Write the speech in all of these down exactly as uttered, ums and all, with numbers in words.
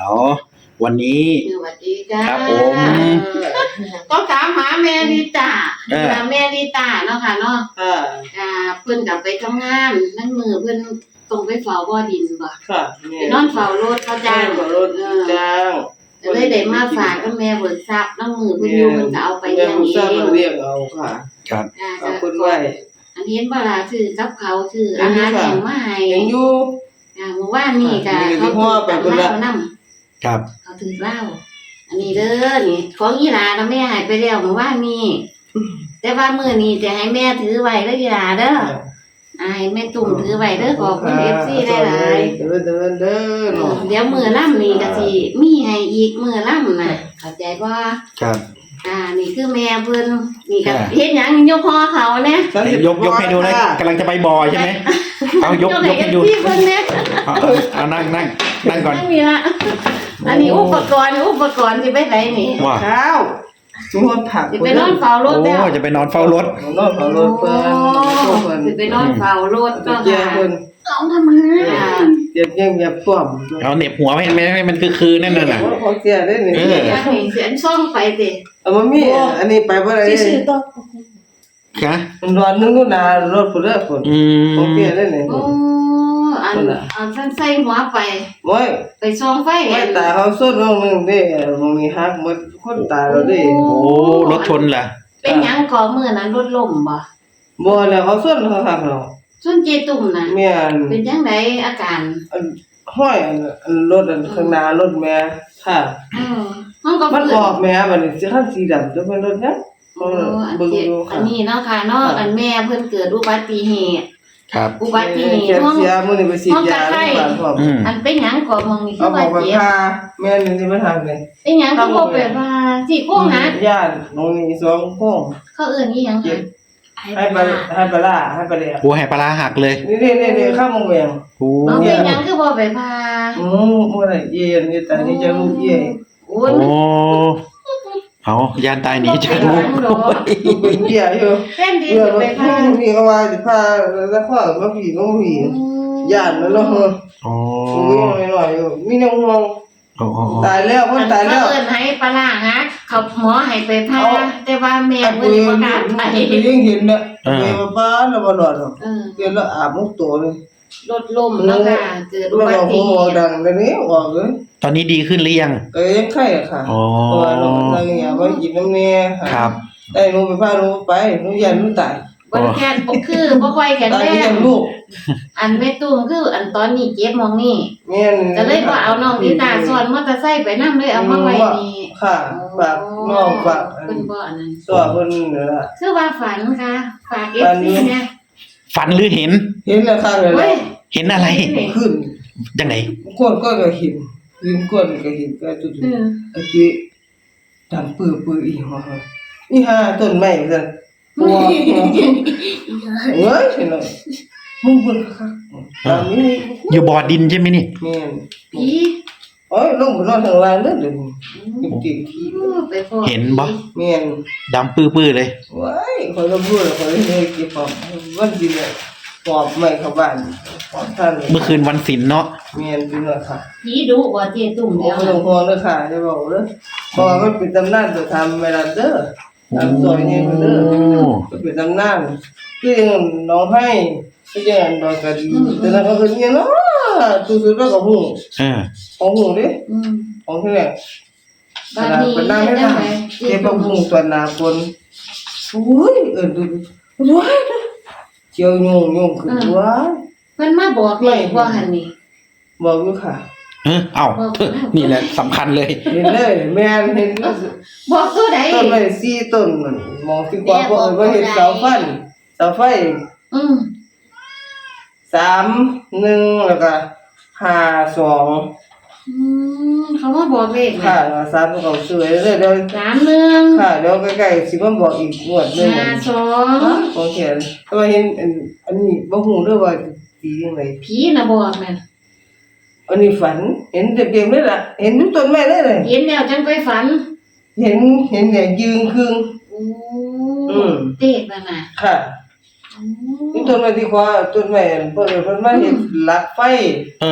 เอาวันนี้สวัสดีจ้าครับผมก็ถามหาแม่ลิตาเออแม่ลิตาเนาะค่ะเนาะค่ะอ่าเพิ่นกลับไปทำงานนั่นมือเพิ่นตรงไปเฝ้าบ่อดินบ่ค่ะไปนอนเฝ้ารถเขาจ้างเฝ้ารถจ้างก็เลยได้มาฝากกับแม่เบิกทรัพย์นั่นมือเพิ่นอยู่เพิ่นก็เอาไปเลี้ยงเอทราบงเรียกเอาค่ะครับอ่าเอาคนไว้อันนี้เห็นบ่ล่ะคือกับเขาวคืออาหารแห้งมาให้ยังอยู่อ่าเมื่อวานนี้ก็มีแต่เขาพ่อไปถือพุ่นเหละล้านำครับเขาถือเหล้าอันนี้เด้อนี่ของอีหลากับแม่ใหายไปแล้วเมื่อวานนี้แต่ว่ามื้อนี้จะให้แม่ถือไว้เด้ออีหลาเด้ออ่าให้แม่ตุ่มถือไว้เด้อขอบคุณ เอฟ ซี หลายๆเด้อเด้อเด้อเนาะเดี๋ยวมื้อล่ำนี่ก็สิมีให้อีกมื้อล่ำน่ะเข้าใจบ่ครับอ่านี่คือแม่เพิ่นนี่ก็อ่าเฮ็ดหยังยกคอเขาเนี่ยยกยกให้ดูนะกำลังจะไปบ่อใช่ไหมเอายกยกให้ดูเอฟซีเพิ่นเนี่ยเอาเอาเอานั่งนั่งนั่งก่อนไม่มีละอันนี้อุปกรณ์อุปกรณ์สิไปไหนนี่ว่าข้าวสมมติผักสิไปนอนเฝ้ารถแล้วโอ้จะไปนอนเฝ้ารถนอนเฝ้ารถเพิ่นเพิ่นสิไปนอนเฝ้ารถก็เจ้าค่ะเพิ่นต้องทำไมอ่ะเจ็บยังแบบป้อมเอาเหน็บหัวไม่ไม่ไม่มันคือคือนั่นน่ะของเสียได้นี่เอออยากให้เสียนซ่องไปสิเอามามีอันนี้ไปบ่ได้ซื่อๆต้องค่ะมันร้อนนึงก็นารถพุ่นเด้อพุ่นอืมของเสียได้นี่โอ้อันอันท่านใส่หัวไปโอ้ยไปซ่องไฟไม่ตาเขาสุดลงนึงเด้มองนี่ฮักหมดคนตายแล้วเด้โอ้รถชนเหรอเป็นหยังก่อมื้อนั้นรถล่มบ่บ่แล้วเขาสุดเขาฮักเนาะส่วนเจตุ่มน่ะแม่นเป็นจังไดอาการอันห้อยอันอันรถอันข้างหน้ารถแม่ค่ะเออมันก็มันเกิอดอกแม่บัดนี้สิคันสีดำจะเป็นรถหยังโอ้อันเบิ่งเจ็บดูอัค่ะนนี้เนาะค่ะเนาะอันแม่เพิ่นเกิดอุบัติเหตุครับอุบัติเหตุแกห้องเสียมื้อนี้ไปฉีดยาโรงพยาบาลพร้อมอืมอันเป็นหยังก่อมองนี่คืเอาอหมว่าอไปเจ็บพาแม่นี่สิมาทางนี่เป็นหยังคือบ่แบบว่าสิโค้งหักญาติน้องนี่สองโค้งเขาเอิ้นอีหยังเจ็หับกให้ไปให้ไปล่าให้ไปเลี้ยงโอ้แหปลาร้าหักเลยนี่ๆๆๆข้ามวงเวียงโอ้เอาเป็นหยังคือบ่ไปพาอืมบ่ได้เย็นนี่แต่นี่จะลูกเย่โอ้โอ้ยเอายานตายหนีจากลูกลูกเป็นเบี้ยอยู่แฟนดีเบื่อจะรไปถพานี่ก็ว่าสิพาแล้วข้อมาผีก็ผีย่านมันเนาะโอ้มีหน่อยอยู่มีน้องห่วงโอ้โอ้ตายแล้วเพิ่นตายแล้วเขาเอิ้นให้ปลาร้าหักเขาหมอให้ไปพาเอาแต่ว่าแม่ไอ้เพิ่ปืนนบ่กล้าไปยังเห็นน่ะเมียบ้านแล้วบ่รอดหรอกเออเดี๋ยวแล้วอาบมุกตัวเลยรถล้มเนาะค่ะเกิดอุแล้วบัเราติหัเหวตุดังเดี๋ยวนี้ออกเลยตอนนี้ดีขึ้นหรือยังก็ยังไข้อะค่ะอ๋อเพราะว่าน้องนั่งอย่าไว้กินน้ำแน่ครับได้หนูไปพาหนูไปหนูยันหนูตายบ่แค่บ่คือบ่ค่อยแข็งตายแรที่งยังลูกอันแม่ตุ้มคืออันตอนนี้เจ็บหมองนี่แม่นก็เลยว่าเอาน้องนิตาซ้อนมอเตอร์ไซค์ไปนำเลยเอามาไว้นี่ค่ะฝากน้องฝากเพิ่นบ่อันนั้นตัวเพิ่นนี่ล่ะคือว่าฝันค่ะฝากฝันเอฟอยู่ซีเนี่ยฝันหรือเห็นเห็นแล้วค่ะเลยเฮ้ยเห็นอะไรขึ้นยังไงก้นก็ก็เห็นยืนก้นก็เห็นก็จุดเออๆอาจิดังปื้อปื้ออีหัวนี่ฮะต้นไม้ซั่นปัวเฮ้ยเห็นเลยมึงเบิ่งคักตามนี้อยู่บ่อดินใช่ไหมนี่แม่นผีโอ้ยลงไปนอนข้างล่างเด้อเดี๋ยวนี้ติดที่เออไปพอเห็นบ่แม่นดำปื้อๆเลยว้ายข่อยก็รู้แล้วข่อยเลยเก็บของวันสิเนี่ยปอบไม้เข้าบ้านปอบท่านเมื่อคืนวันศิลเนาะแม่นพี่น้อยค่ะผีดุบ่เจตุ้มโอ้แล้วไม่ต้องห่วงเด้อค่ะจะบอกเด้อเพราะว่ามันเป็นตำนานตัวทำเวลาเด้อตามซอยนี่เด้อมันเป็นตำนานคืออย่างน้องให้คืออย่างดอกกระดีแต่นั้นก็คือเนี่ยเนาะตู้สุดแล้วก็หูเออของหูเด้อืมของที่เนี่ยบ้านนี้เป็นน้ำให้จังทำไดเก็บผักบุ้งตัวหนาคนโอ้ยเอิ้นดูดูว้ายเจียวยุงยุงขึ้นว้ายเพิ่นมาบอกเลขว่าหั่นนี่บอกอยู่ค่ะเออเอ้านี่แหละสำคัญเลยเห็นเลยแม่นเห็นบอกตัวใดต้นไม้สี่ต้นมันมองที่กว่าบ่เอิ้นว่าเห็นเสาไฟเสาไฟอืมสามหนึ่งแล้วก็ห้าสองอืมเขามาบอกเลขค่ะแล้วสามก็เขาสวยเลยเดี๋ยวสามหนึ่งค่ะเดี๋ยวใกล้ๆสิมาบอกอีกงวดหนึงห้าสองของเขียนแต่ว่าเห็นอันอันนี้บ่ฮู้เด้อว่าสีจังไดผีน่ะบอกนั่นอันนี้ฝันเห็นเต็มๆเลยล่ะเห็นอยู่ต้นไม้เลยเลยเห็นแล้วจังไปฝันเห็นเห็นเนี่ยยืนครึ่งโอ้อืมเด็กนั่นน่ะค่ะโอ้นี่ต้นไม้ที่ขวาต้นไม้อันเพิ่นเพิ่นมาเห็นหลักไฟเออ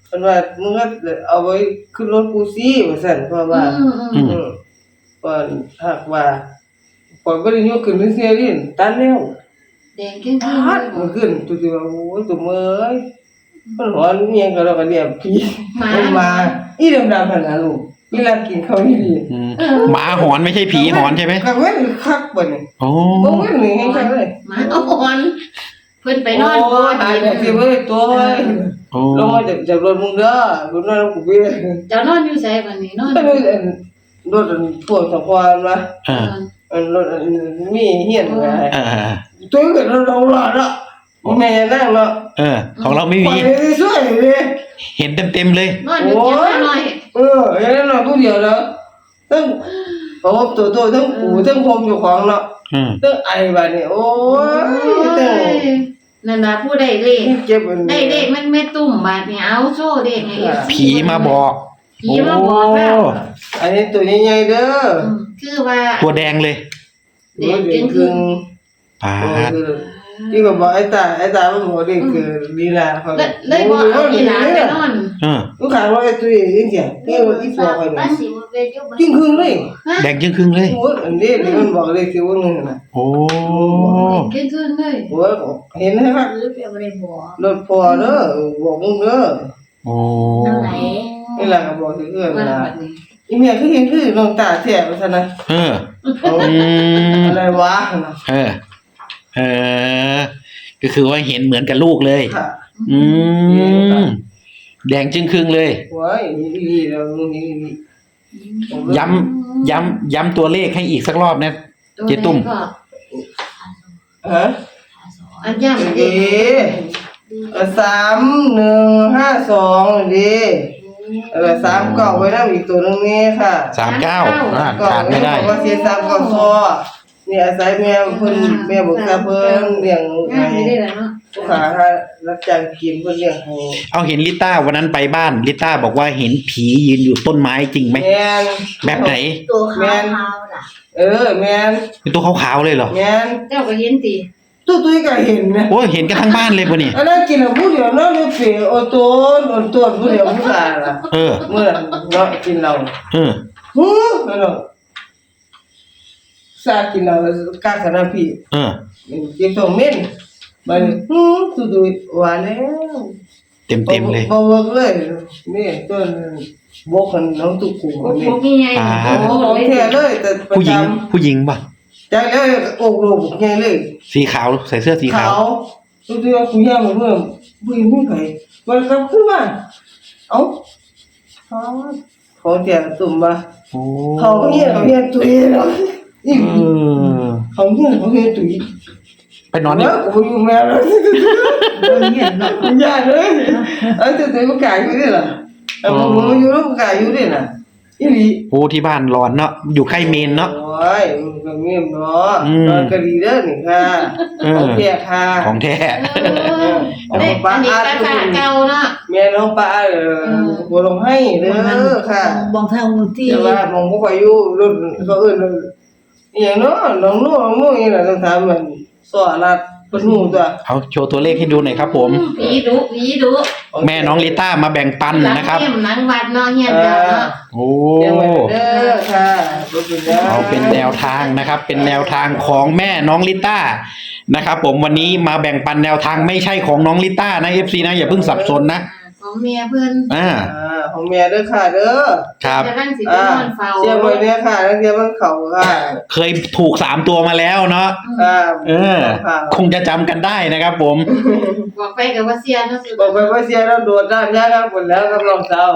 เพิ่นว่ามึงก็เอาไว้ขึ้นรถกูสิว่าซั่นเพราะว่าอืมอืมอืมอืมเพิ่นหากว่าปล่อยบ่ได้ยกขึ้นเสียดิตันแล้วแดงขึ้นขึ้นพาดมันขึ้นตัวสิว่าโอ้ยตัวเมยมันหอนเมียก็เราก็เรียกผีมันมาอีดำๆหั่นน่ะลูกอีหลากินข้าวนี่ดีอืมหมาหอนไม่ใช่ผีหอนใช่ไหมก็เว้นคักบ่นี่โอ้บ่เว้นนี่ให้คักเลยหมาเอาอ่อนเพิ่นไปนอนโอ้ยหายแล้วสิเว้ยตัวเว้ยโอ้ลงมาจากจากรถมึงเด้อรถนั่นกูเบี้ยเจ้านอนอยู่ไสบัดนี้นอนก็เลยรถพวกสะพานมาเอออันรถมีเฮียนไงเออตัวก็เราหลอดละแม่นั่งเนาะเออ ของเราไม่ไปมีสวยเลยเห็นเต็มๆเลยนอนอยู่เตียงข้างน้อยเออเห็นหน่อยผู้เดียวแล้วตั้งโอ้ตัวตัวทั้งปูทั้งพรมอยู่ของเนาะอืมตั้งไอ้บ้านนี่โอ้ยตั้งนั่นน่ะผู้ใดเลขเก็บมันได้เลขมันไม่ตุ่มบาดนี่เอาโชว์เลขให้ เอฟซีผีมาบอกผีมาบอกแล้วโอ้อันนี้ตัวใหญ่ๆเด้ออืมคือว่าตัวแดงเลยเด็กจริงคือปาดที่ก็บอกไอ้ตาไอ้ตามันบอกนี่คือลีลาเขาเลยเลยบ่เอาอีหลานไปนอนเออลูกค้าว่าไอ้ตัวนี้เสียงนี่ว่าอีตัวไปเนี่ยจริงคือเลยแดงจึงครึ่งเลยโอ้ยอันนี้นี่มันบอกเลยคือว่านึงนะโอ้เกินขึ้นเลยโอ้ยเห็นไหมครับหรือเปล่าบ่ได้บอกรถพอเด้อบอกมึงเด้อโอ้นั่นไหนนี่แหละก็บอกคือเอื้อนว่านะบัดนี้อีเมียคือเห็นคือน้องตาแท้ว่าซั่นนะเออเอาอืมอะไรวะนะเออ เออ ก็คือว่าเห็นเหมือนกับลูกเลยค่ะอืม แดงจึงครึ่งเลยโอ้ยนี่แล้วนี่นี่ย้ำ ย้ำ ย้ำตัวเลขให้อีกสักรอบนะ เจ๊ตุ้มก็ฮะอันย่ำเอ๊ะสามหนึ่งห้าสองดิเออสามเก้าไว้นั่งอีกตัวนึงนี่ค่ะสามเก้าอ่าก็ขาดไม่ได้บอกว่าเสียสามเก้าซอเนี่ยอาศัยแม่เพิ่นแม่บอกตาเพิ่นเลี้ยงง่ายให้ได้แล้วเนาะลูกค้ารับจ้างกินเพิ่นเลี้ยงให้เอาเห็นลิต้าวันนั้นไปบ้านลิต้าบอกว่าเห็นผียืนอยู่ต้นไม้จริงไหมแม่นแบบไหนตัวขาวๆน่ะเออแม่นเป็นตัวขาวๆเลยเหรอแม่นเจ้าก็เห็นติตู้ตุ้ยก็เห็นนะโอ้ยเห็นกันทั้งบ้านเลยปะเนี่ยอันนั้นกินแล้วผู้เดียวเนาะเลยเปโอโตนโอโตนผู้เดียวผู้ชายล่ะเออเมื่อเนาะกินเราเออฮู้เนาะซากินเรากาขนาดพี่เออเก็บตัวเม่นมันฮู้ตู้ตุ้ยว่าแล้วเต็มเต็มๆเลยบ่บ่เลยนี่ต้นบ่คันน้องตุกกูโอ้นี่โหมีไงอ่าโอ้ของแท้เลยแต่ประผู้หญิงจำผู้หญิงป่ะจากแล้วโอกโลกใหญ่เลยสีขาวใส่เสื้อสีขาวตู้ตุ้ยว่าผู้ย่าเหมือนเมื่อผู้หญิงผู้ไผมันกลับขึ้นมาเอ้าเขาเขาแท้ตุ่มบ่โอ้เขาเฮียเขาเฮียตุ้ยเนาะนี่เออเขาเฮียเขาเฮียตุ้ยไปนอนนี่แล้วกูอยู่แม่แล้วเฮียเนาะย่าเลยเอ้ยตุ้ยบ่กล้าอยู่นี่ล่ะเอ้ามึงอยู่แล้วบ่กล้าอยู่นี่น่ะอีหลีโอ้ที่บ้านร้อนเนาะอยู่ใกล้เมนเนาะโอ้ยมึงก็เงียบเนาะอืมนอนก็ดีเด้อนี่ค่ะเออของแท้ค่ะของแท้เออเด็กอันนี้ก็ค่ะเก่าเนาะแม่น้องป้าเออบ่ลงให้เด้อค่ะบางทางที่แต่ว่ามองบ่ค่อยอยู่รุ่นเขาเอิ้นว่าอีหยังเนาะน้องนู่น้องนู่นี่น่ะต้องถามมันสอรัดเพิ่นฮู้ตัวเอาโชว์ตัวเลขให้ดูหน่อยครับผมผีดุผีดุแม่น้องลิต้ามาแบ่งปันนะครับหลังเยี่ยมหลังวัดเนาะเฮียนเจ้าเนาะโอ้เดี๋ยวไว้เด้อค่ะบ่เป็นหยังเอาเป็นแนวทางนะครับ เป็นแนวทางของแม่น้องลิต้านะครับ ผมวันนี้มาแบ่งปันแนวทางไม่ใช่ของน้องลิต้านะ เอฟ ซี นะอย่าเพิ่งสับสนนะของเมียเพิ่นอ่าอ่าของแม่เด้อค่ะเด้อครับจะนั่งสิไปอ่านอนเฝ้าเสียไว้เนี่ยค่ะนักเรียนมันเข้าค่ะเคยถูกสามตัวมาแล้วเนาะค่ะเออค่ะคงจะจำกันได้นะครับ ผมบอกไปกับว่าเสียเนาะสุดบอกไปว่าเสียแล้วโดดด้านยากครับหมดแล้วครับรองเท้า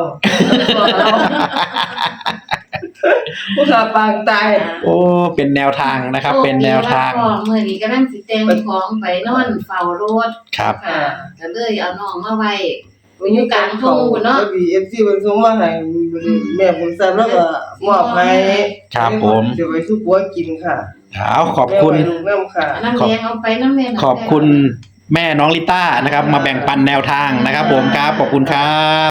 ผู้ขาปางตายโอ้เป็นแนวทางนะครับ เป็นแนวทางของมื้อนี้กำลังสิแต่งของไปนอนเฝ้ารถครับค่ะก็เลยเอาน้องมาไว้วันนี้การเขาก็มีเอฟซีเป็นส่งมาให้แม่ผมทราบแล้วก็มอบให้ครับผมจะไปสู้ปัวกินค่ะเอาขอบคุณแม่ไว้ลูกน้ำค่ะน้ำแดงเอาไปน้ำแม่น้ำแดงขอบคุณแม่น้องลิต้านะครับ มาแบ่งปันแนวทางนะครับ ผมครับขอบคุณครับ